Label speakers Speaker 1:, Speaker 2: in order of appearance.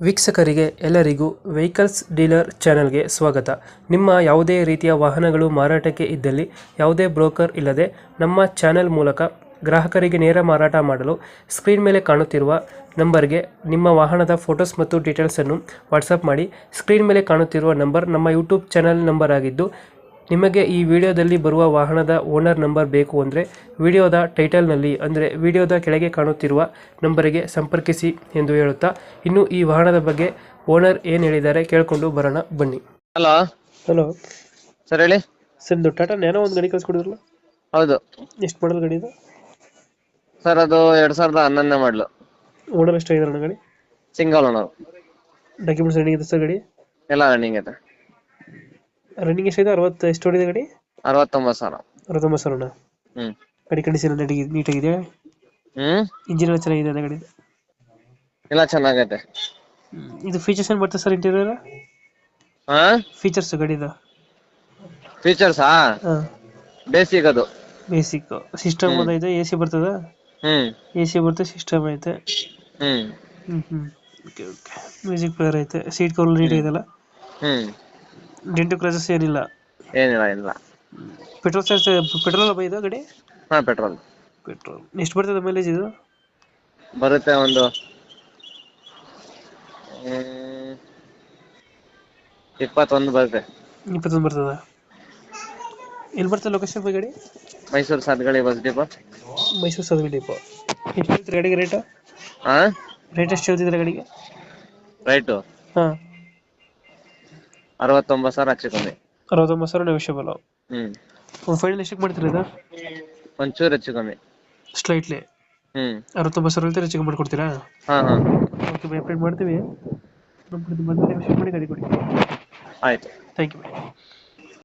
Speaker 1: ವೀಕ್ಷಕರಿಗೆ ಎಲ್ಲರಿಗೂ vehicles dealer ಚಾನೆಲ್ಗೆ ಸ್ವಾಗತ. ನಿಮ್ಮ ಯಾವುದೇ ರೀತಿಯ ವಾಹನಗಳು ಮಾರಾಟಕ್ಕೆ ಇದ್ದಲ್ಲಿ ಯಾವುದೇ ಬ್ರೋಕರ್ ಇಲ್ಲದೆ ನಮ್ಮ ಚಾನೆಲ್ ಮೂಲಕ ಗ್ರಾಹಕರಿಗೆ ನೇರ ಮಾರಾಟ ಮಾಡಲು ಸ್ಕ್ರೀನ್ ಮೇಲೆ ಕಾಣುತ್ತಿರುವ ನಂಬರ್ಗೆ ನಿಮ್ಮ ವಾಹನದ ಫೋಟೋಸ್ ಮತ್ತು ಡೀಟೇಲ್ಸನ್ನು ವಾಟ್ಸಪ್ ಮಾಡಿ. ಸ್ಕ್ರೀನ್ ಮೇಲೆ ಕಾಣುತ್ತಿರುವ ನಂಬರ್ ನಮ್ಮ ಯೂಟ್ಯೂಬ್ ಚಾನೆಲ್ ನಂಬರ್ ಆಗಿದ್ದು, ನಿಮಗೆ ಈ ವಿಡಿಯೋದಲ್ಲಿ ಬರುವ ವಾಹನದ ಓನರ್ ನಂಬರ್ ಬೇಕು ಅಂದರೆ ವಿಡಿಯೋದ ಟೈಟಲ್ನಲ್ಲಿ ಅಂದರೆ ವಿಡಿಯೋದ ಕೆಳಗೆ ಕಾಣುತ್ತಿರುವ ನಂಬರಿಗೆ ಸಂಪರ್ಕಿಸಿ ಎಂದು ಹೇಳುತ್ತಾ, ಇನ್ನು ಈ ವಾಹನದ ಬಗ್ಗೆ ಓನರ್ ಏನು ಹೇಳಿದ್ದಾರೆ ಕೇಳಿಕೊಂಡು ಬರೋಣ ಬನ್ನಿ.
Speaker 2: ಹಲೋ
Speaker 1: ಹಲೋ
Speaker 2: ಸರ್, ಹೇಳಿ.
Speaker 1: ಸರ್, ಇದು ಟಾಟಾ ನ್ಯಾನೋ ಒಂದು ಗಾಡಿ ಕಳಿಸ್ಕೊಡಿದ್ರಲ್ಲ,
Speaker 2: ಹೌದು
Speaker 1: ಎಷ್ಟು ಮಾಡಲ್ ಗಾಡಿ ಇದು?
Speaker 2: ಸರ್, ಅದು 2011 ಮಾಡಲು.
Speaker 1: ಓನರ್ ಎಷ್ಟಾಗಿದ್ದಾರೆ ಗಾಡಿ?
Speaker 2: Single owner.
Speaker 1: ಡಾಕ್ಯುಮೆಂಟ್ಸ್ ರನ್ನಿಂಗ್ ಇದೆ ಸರ್ ಗಾಡಿ?
Speaker 2: ಎಲ್ಲ ರನ್ನಿಂಗ್ ಐತೆ.
Speaker 1: ರನ್ನಿಂಗ್ ಎಷ್ಟಿದೆ? 60 ಎಷ್ಟು ಹೊಡಿದೆ ಗಾಡಿ?
Speaker 2: 69,000.
Speaker 1: 69,000.
Speaker 2: ಹ್ಮ್
Speaker 1: ಗಾಡಿ ಕಂಡೀಷನ್ ನೀಟಾಗಿದೆ? ಇಂಜಿನ್ ಎಲ್ಲ ಚೆನ್ನಾಗಿದೆ ಗಾಡಿ?
Speaker 2: ಎಲ್ಲ ಚೆನ್ನಾಗೈತೆ.
Speaker 1: ಇದು ಫೀಚರ್ಸ್ ಏನು ಬರ್ತದೆ ಸರ್ ಇಂಟೀರಿಯರ್? ಫೀಚರ್ಸ್ ಗಾಡಿದ
Speaker 2: ಫೀಚರ್ಸಾ? ಬೇಸಿಕ್ ಅದು.
Speaker 1: ಬೇಸಿಕ್ ಸಿಸ್ಟಮ್ ಐತೆ, ಎ ಸಿ ಬರ್ತದ? ಎ ಸಿ ಬರ್ತದೆ, ಸಿಸ್ಟಮ್ ಐತೆ. Okay okay. ಮ್ಯೂಸಿಕ್ ಪ್ಲೇಯರ್ ಐತೆ, ಸೀಟ್ ಕವರ್ ನೀಟ್ ಇದೆಲ್ಲ? ಡೆಂಟು ಕ್ರಾಚಸ್ ಏನಿಲ್ಲ?
Speaker 2: ಏನಿಲ್ಲ.
Speaker 1: ಪೆಟ್ರೋಲ್ ಚಾರ್ಜ್ ಪೆಟ್ರೋಲ್ ಇದು ಗಾಡಿ?
Speaker 2: ಪೆಟ್ರೋಲ್.
Speaker 1: ಎಷ್ಟು ಬರ್ತದೆ ಮೈಲೇಜ್ ಇದು?
Speaker 2: ಬರುತ್ತೆ ಒಂದು 21 ಬರುತ್ತೆ.
Speaker 1: 21 ಬರ್ತದ? ಎಲ್ಲಿ ಬರ್ತದೆ ಲೊಕೇಶನ್ ಗಾಡಿ?
Speaker 2: Mysuru Sathagalli bus depot.
Speaker 1: ಮೈಸೂರು ಸದವಿ ಡಿಪೋ. ಎಷ್ಟು ಹೇಳ್ತೀರಿ ಗಾಡಿಗೆ ರೇಟ್? ರೇಟ್ ಎಷ್ಟು ಹೇಳ್ತಿದ್ರೆ ಗಾಡಿಗೆ?
Speaker 2: ರೈಟು 69,000 ಹೆಚ್ಚು ಕಮ್ಮಿ.
Speaker 1: 69,000 ನೆಗೋಷಿಯಬಲ್. ಒಂದು ಫೈನಲ್ ಎಷ್ಟಕ್ಕೆ ಮಾಡ್ತೀರಾ ಇದು?
Speaker 2: ಒಂಚೂರು ಹೆಚ್ಚು ಕಮ್ಮಿ
Speaker 1: ಸ್ಲೈಟ್ಲಿ. 69,000 ಹೇಳ್ತೀರಾ, ಹೆಚ್ಚು ಕಮ್ಮಿ ಮಾಡ್ಕೊಡ್ತೀರಾ? ಓಕೆ ಬೈ, ಅಪ್ಡೇಟ್ ಮಾಡ್ತೀವಿ. ನಮ್ಮ ಕಡೆ ಬಂದರೆ ನೆಗೋಷಿಯೇಟ್ ಮಾಡಿ ಗಾಡಿ ಕೊಡಿ.
Speaker 2: ಆಯ್ತು.
Speaker 1: Thank you.